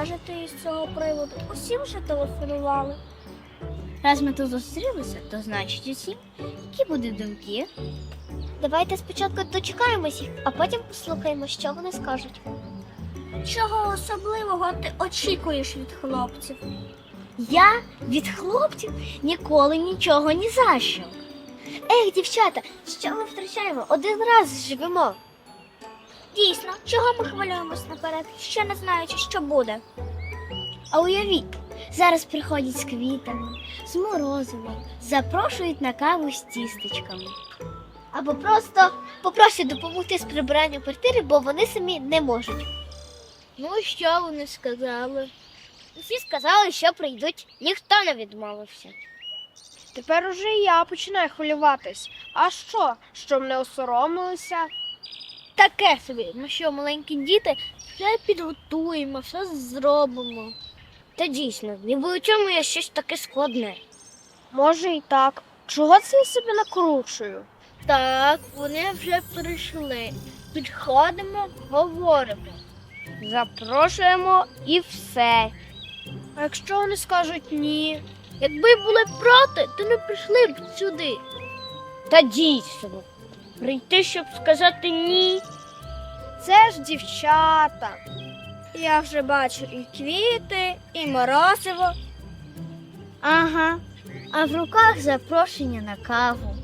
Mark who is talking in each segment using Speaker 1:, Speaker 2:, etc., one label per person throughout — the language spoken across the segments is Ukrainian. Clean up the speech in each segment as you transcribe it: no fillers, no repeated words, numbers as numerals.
Speaker 1: скажете із цього приводу? Усі вже телефонували.
Speaker 2: Раз ми тут зустрілися, то значить усі, які будуть думки.
Speaker 1: Давайте спочатку дочекаємось їх, а потім послухаємо, що вони скажуть. Чого особливого ти очікуєш від хлопців?
Speaker 2: Я від хлопців ніколи нічого ні за що.
Speaker 1: Ех, дівчата, що ми втрачаємо? Один раз живемо. Дійсно, чого ми хвилюємось наперед, ще не знаючи, що буде?
Speaker 2: А уявіть, зараз приходять з квітами, з морозивом, запрошують на каву з тістечками.
Speaker 1: Або просто попросять допомогти з прибиранням квартири, бо вони самі не можуть.
Speaker 2: Ну, що вони сказали?
Speaker 1: Усі сказали, що прийдуть, ніхто не відмовився.
Speaker 3: Тепер уже і я починаю хвилюватись. А що? Що мене осоромилися?
Speaker 2: Таке собі, ми що, маленькі діти, все підготуємо, все зробимо.
Speaker 1: Та дійсно, ніби у чому є щось таке складне.
Speaker 3: Може і так. Чого це я себе накручую?
Speaker 2: Так, вони вже прийшли. Підходимо, говоримо.
Speaker 3: Запрошуємо і все. А якщо вони скажуть ні?
Speaker 2: Якби були проти, то не прийшли б сюди.
Speaker 1: Та дійсно, прийти, щоб сказати ні.
Speaker 3: Це ж дівчата.
Speaker 1: Я вже бачу і квіти, і морозиво.
Speaker 2: Ага, а в руках запрошення на каву.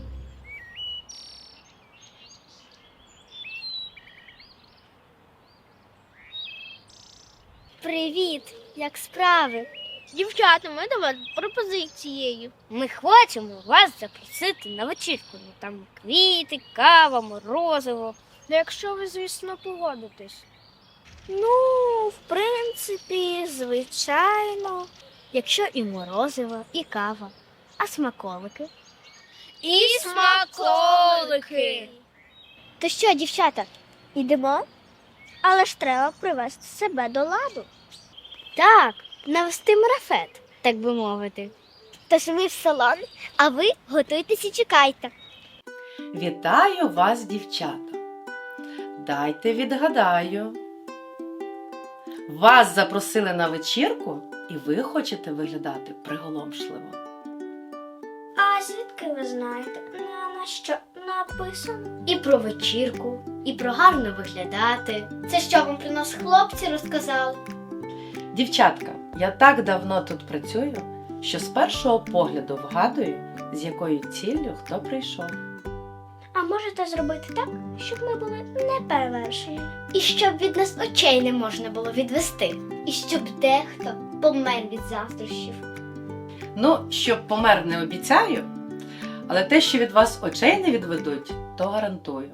Speaker 1: Привіт, як справи?
Speaker 2: Дівчата, ми до вас з пропозицією.
Speaker 1: Ми хочемо вас запросити на вечірку. Ну, там квіти, кава, морозиво.
Speaker 3: Ну, якщо ви, звісно, погодитесь.
Speaker 1: Ну, в принципі, звичайно.
Speaker 2: Якщо і морозиво, і кава, а смаколики?
Speaker 1: І смаколики. То що, дівчата, ідемо? Але ж треба привести себе до ладу.
Speaker 2: Так, навести марафет, так би мовити.
Speaker 1: Тож ми в салон, а ви готуйтесь і чекайте.
Speaker 4: Вітаю вас, дівчата! Дайте відгадаю. Вас запросили на вечірку, і ви хочете виглядати приголомшливо.
Speaker 1: А звідки ви знаєте, на що написано?
Speaker 2: І про вечірку, і про гарно виглядати.
Speaker 1: Це що вам про нас хлопці розказали?
Speaker 4: Дівчатка, я так давно тут працюю, що з першого погляду вгадую, з якою ціллю хто прийшов.
Speaker 1: А можете зробити так, щоб ми були неперевершені?
Speaker 2: І щоб від нас очей не можна було відвести.
Speaker 1: І щоб дехто помер від заздрощів.
Speaker 4: Ну, щоб помер не обіцяю, але те, що від вас очей не відведуть, то гарантую.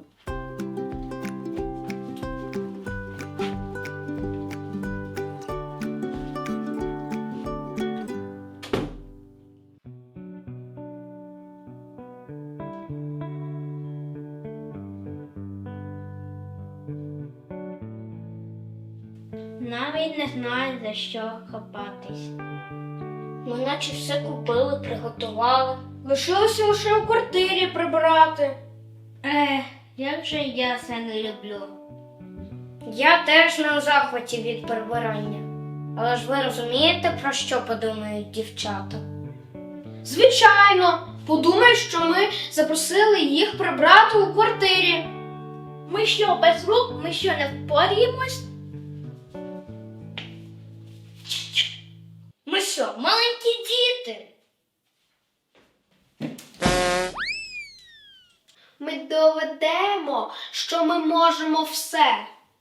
Speaker 2: Навіть не знаю, за що хапатись.
Speaker 1: Ми наче все купили, приготували.
Speaker 3: Лишилося лише у квартирі прибирати.
Speaker 2: Як же я це не люблю.
Speaker 1: Я теж не у захваті від прибирання. Але ж ви розумієте, про що подумають дівчата?
Speaker 3: Звичайно, подумають, що ми запросили їх прибрати у квартирі.
Speaker 2: Ми що, без рук? Ми що, не впоріємось?
Speaker 1: Ми що, маленькі діти?
Speaker 3: Ми доведемо, що ми можемо все.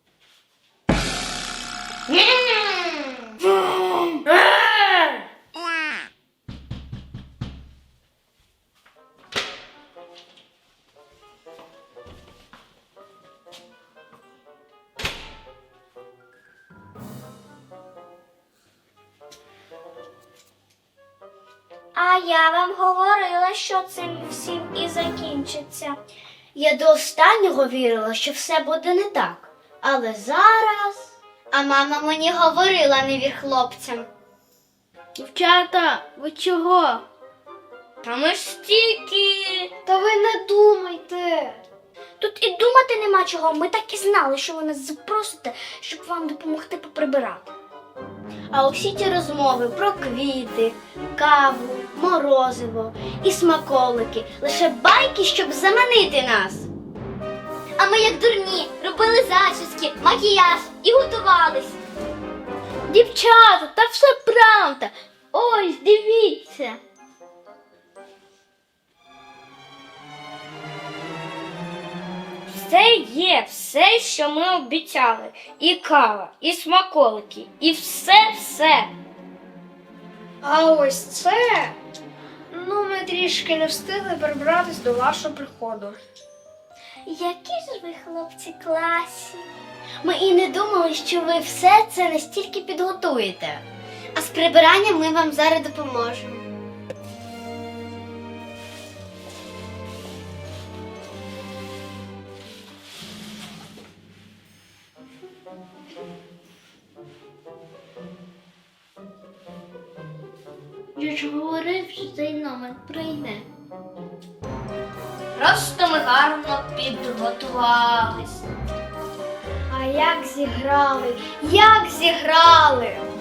Speaker 1: А я вам говорила, що цим всім і закінчиться.
Speaker 2: Я до останнього вірила, що все буде не так. Але зараз...
Speaker 1: А мама мені говорила, не вір хлопцям.
Speaker 2: Дівчата, ви чого?
Speaker 1: Та ми ж стільки.
Speaker 3: Та ви не думайте.
Speaker 1: Тут і думати нема чого. Ми так і знали, що ви нас запросите, щоб вам допомогти поприбирати.
Speaker 2: А усі ті розмови про квіти, каву, морозиво і смаколики лише байки, щоб заманити нас.
Speaker 1: А ми, як дурні, робили зачіски, макіяж і готувались.
Speaker 2: Дівчата, та все правда. Ось, дивіться. Все є, все, що ми обіцяли. І кава, і смаколики, і все.
Speaker 3: А ось це. Ну, ми трішки не встигли прибратись до вашого приходу.
Speaker 2: Які ж ви, хлопці, класні. Ми і не думали, що ви все це настільки підготуєте. А з прибиранням ми вам зараз допоможемо. Я ж говорив, що цей номер прийде. Просто ми гарно підготувались.
Speaker 3: А як зіграли? Як зіграли?